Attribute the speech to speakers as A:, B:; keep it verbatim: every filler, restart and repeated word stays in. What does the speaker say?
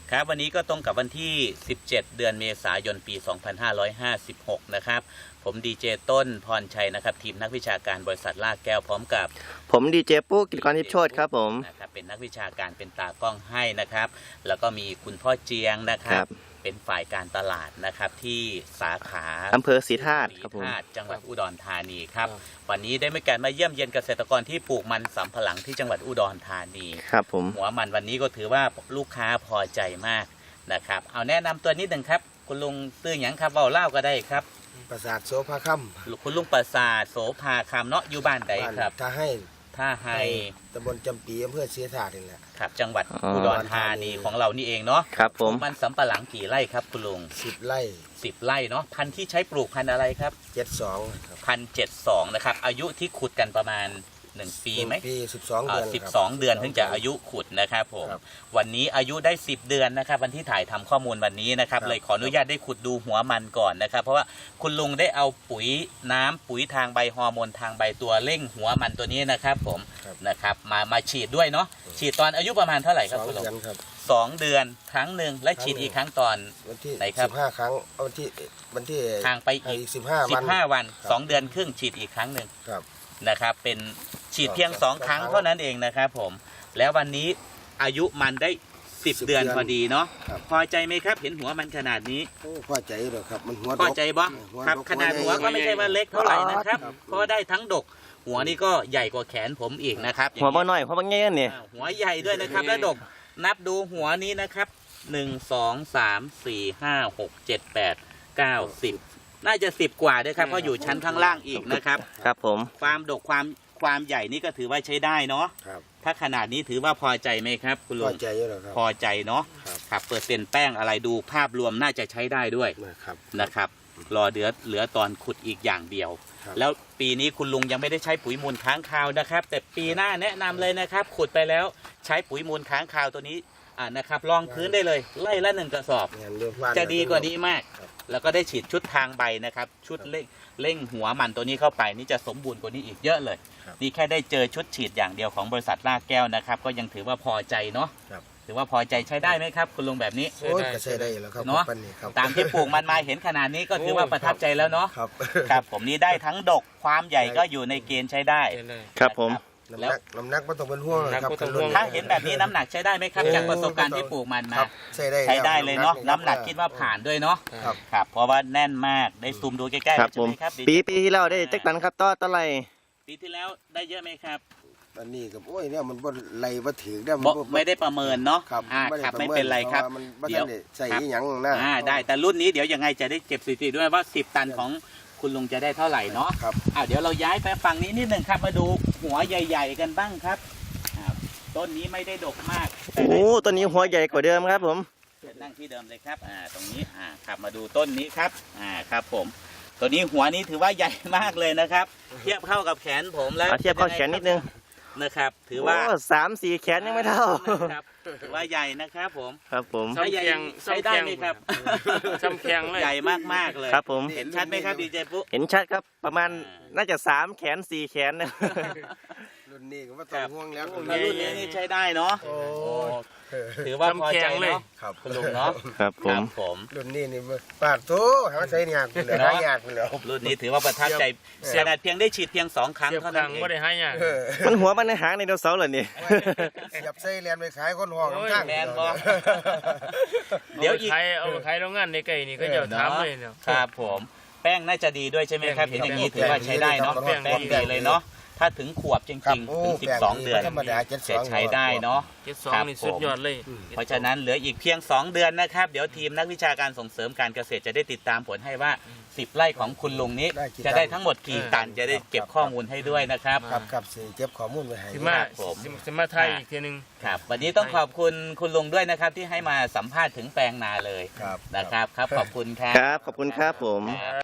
A: ครับวันนี้ก็ตรงกับวันที่สิบเจ็ดเดือนเมษายนปีสองพันห้าร้อยห้าสิบหกนะครับผมดีเจต้นพรชัยนะครับทีมนักวิชาการบริษัทลากแก้วพร้อมกับ
B: ผมดีเจปุ๊กกิจกรทิพย์โชติครับผม
A: นะครับเป็นนักวิชาการเป็นตากล้องให้นะครับแล้วก็มีคุณพ่อเจียงนะครับเป็นฝ่ายการตลาดนะครับที่สาขา
B: อำเภอศรีธาตุครับผม
A: จังหวัดอุดรธานีครับวันนี้ได้มีการมาเยี่ยมเยียนเกษตรกรที่ปลูกมันสำปะหลังที่จังหวัดอุดรธานี
B: ครับผม
A: หัวมันวันนี้ก็ถือว่าลูกค้าพอใจมากนะครับเอาแนะนำตัวนิดหนึ่งครับคุณลุงตื้อหยังครับเว้าเล่าก็ได้ครับ
C: ประสาทโสภาคำ
A: คุณลุงประสาทโสภาคำเนาะอยู่บ้านใดครับ
C: ท่าให้
A: ท่าให้
C: ตำบลจำปีอำเภอศรีธาตุนี่แหละ
A: ครับจังหวัดอุดรธานีของเรานี่เองเนาะ
B: ครับผม
A: มันสำปะหลังกี่ไร่ครับคุณลุง
C: สิบไร่
A: สิบไร่เนาะพันธุ์ที่ใช้ปลูกพันธุ์อะไรครับ
C: เจ็ดสอง
A: พันเจ็ดสองนะครับอายุที่ขุดกันประมาณหนึ่งปีไหม
C: ปีสิบสองเดือน
A: สิบสองเดือนถึงจะอายุขุดนะครับผมวันนี้อายุได้สิบเดือนนะครับวันที่ถ่ายทำข้อมูลวันนี้นะครับเลยขออนุญาตได้ขุดดูหัวมันก่อนนะครับเพราะว่าคุณลุงได้เอาปุ๋ยน้ำปุ๋ยทางใบฮอร์โมนทางใบตัวเร่งหัวมันตัวนี้นะครับผมนะครับมามาฉีดด้วยเนาะฉีดตอนอายุประมาณเท่าไหร่ครับคุณลุงสองเดือนครั้งหนึ่งและฉีดอีกครั้งตอน
C: วันที่
A: ไหนครับ
C: สิบห้าครั้งวันที่วันที่
A: ทางไปอีก
C: สิบห้าวัน
A: สิบห้าวันสองเดือนครึ่งฉีดอีกครั้งหนึ่งนะครับเป็นฉีดเพียงสองครั้งเท่านั้นเองนะครับผมแล้ววันนี้อายุมันได้สิบเดือนพอดีเนาะพอใจไหมครับเห็นหัวมันขนาดนี้
C: พอใจเลยครับมันหัว
A: พอใจบ่ครับขนาดหัวก็ไม่ใช่ว่าเล็กเท่าไหร่นะครับเพราะได้ทั้งดกหัวนี่ก็ใหญ่กว่าแขนผมอีกนะครับ
B: หัวบ่น้อยหัวบ่เงี้ยนี่
A: หัวใหญ่ด้วยนะครับและดกนับดูหัวนี้นะครับหนึ่งสองสามสี่ห้าหกเจ็ดแปดเก้าสิบน่าจะสิบกว่าด้วยครับเพราะอยู่ชั้นข้างล่างอีกนะครับ
B: ครับผม
A: ความดกความความใหญ่นี่ก็ถือว่าใช้ได้เนาะถ้าขนาดนี้ถือว่าพอใจไหมครับคุณลุง
C: พอใจเยอะครับ
A: พอใจเนาะครับเปอร์เซ็นต์แป้งอะไรดูภาพรวมน่าจะใช้ได้ด้วยนะครับรอเหลือเหลือตอนขุดอีกอย่างเดียวแล้วปีนี้คุณลุงยังไม่ได้ใช้ปุ๋ยมูลค้างคาวนะครับแต่ปีหน้าแนะนำเลยนะครับขุดไปแล้วใช้ปุ๋ยมูลค้างคาวตัวนี้อ่านะครับรองพื้นได้เลยไล่ละหนึ่งกระสอบจะดีกว่านี้มากแล้วก็ได้ฉีดชุดทางใบนะครับชุดเร่งเร่งหัวมันตัวนี้เข้าไปนี่จะสมบูรณ์กว่านี้อีกเยอะเลยนี่แค่ได้เจอชุดฉีดอย่างเดียวของบริษัทลากแก้วนะครับก็ยังถือว่าพอใจเนาะถือว่าพอใจใช้ได้ไหมครับคุณลุงแบบนี้
C: โอ้ยใช้ได้แล้วครับ
A: เนาะตามที่ปลูกมันมาเห็นขนาดนี้ก็ถือว่าประทับใจแล้วเนาะครับผมนี่ได้ทั้งดกความใหญ่ก็อยู่ในเกณฑ์ใช้ได้
B: ครับผม
C: น้ำหนักน้ำหนักไม่ต้องเป็นห่วงครับ
A: ถ้าเห็นแบบนี้น้ำหนักใช้ได้ไหมครับจากประสบการณ์ที่ปลูกมันมา
C: ใช้ได้
A: ใช้ได้เลยเนาะน้ำหนักคิดว่าผ่านด้วยเนาะครับเพราะว่าแน่นมากได้ซูมดูใกล้ๆใช่ไหมครับ
B: ปีปีที่แล้วได้จักตันครับต่อต่อไร
A: ปีที่แล้วได้เยอะไหมครับ
C: อันนี้กับโอ้ยเนี่ยมันบ่ไหลบ่ถึงได้
A: ไม่ได้ประเมินเนาะอ่าครับไม่เป็นไรครับ
C: เดี๋ยวใส่หยังนะ
A: อ่าได้แต่รุ่นนี้เดี๋ยวยังไงจะได้เก็บสถิติด้วยว่าสิบตันของคุณลุงจะได้เท่าไหร่เนาะ
C: ครับ
A: อ่าเดี๋ยวเราย้ายไปฝั่งนี้นิดหนึ่งครับมาดูหัวใหญ่ๆกันบ้างครับต้นนี้ไม่ได้ดกมาก
B: โอ้ต้นนี้หัวใหญ่กว่าเดิมครับผม
A: นั่งที่เดิมเลยครับอ่าตรงนี้อ่าครับมาดูต้นนี้ครับอ่าครับผมตัวนี้หัวนี้ถือว่าใหญ่มากเลยนะครับเทียบเข้ากับแขนผมแล้ว
B: เทียบเข้าแขนนิดนึง
A: นะครับถือว่า
B: สามสี่แขนยังไม่เท่า
A: ถือว่าใหญ่นะครับผม
B: ครับผม
A: ใช้ใหญ่ใช้ได้ไหมครับ
D: ซ้ำแข็งเลย
A: ใหญ่มากๆเลย
B: ครับผม
A: เห็นชัดไหมครับดีเจปุ๊
B: เห็นชัดครับประมาณน่าจะสามแขนสี่แขนนะ
C: รุ่นนี้ก็ว่าต้องห่วงแล้ว
A: รุ่นนี้นี่ใช้ได้เนาะถือว่าพอใจเนาะคุณลุงเนาะ
B: ครับผม
A: ผม
C: รุ่นนี้นี่ปาดโถหาใช้ยากเลยหายากเลย
A: รุ่นนี้ถือว่าประทับใจขนาดเพียงได้ฉีดเพียงสองครั้งเท่านั้นเอง
D: ไม่ได้หายาก
B: มันหัวมันในหางในดาวเสาร์เหรอนี่
C: หยับใส่เรียนไปขายคนห้องข้าง
A: แมนบอ
D: เดี๋ยวอีกเอาขายโรงงานในไก่นี่ก็จะทำเลยเนาะ
A: ครับผมแป้งน่าจะดีด้วยใช่ไหมครับเห็นอย่างนี้ถือว่าใช้ได้เนาะแป้งดีเลยเนาะถ้าถึงขวบจริงๆถึงสิบสองเดือนจะใช้ได้เนาะ
D: ครับสุดยอดเลย
A: เพราะฉะนั้นเหลืออีกเพียงสองเดือนนะครับเดี๋ยวทีมนักวิชาการส่งเสริมการเกษตรจะได้ติดตามผลให้ว่าสิบไร่ของคุณลุงนี้จะได้ทั้งหมดกี่ตันจะได้เก็บข้อมูลให้ด้วยนะครับ
C: ครับครับเก็บข้อมูลไว้ให้
D: สิมาผมสิมาไทยอีกทีนึง
A: ครับวันนี้ต้องขอบคุณคุณลุงด้วยนะครับที่ให้มาสัมภาษณ์ถึงแปลงนาเลยนะครับครับขอบคุณครับ
B: ครับขอบคุณครับผม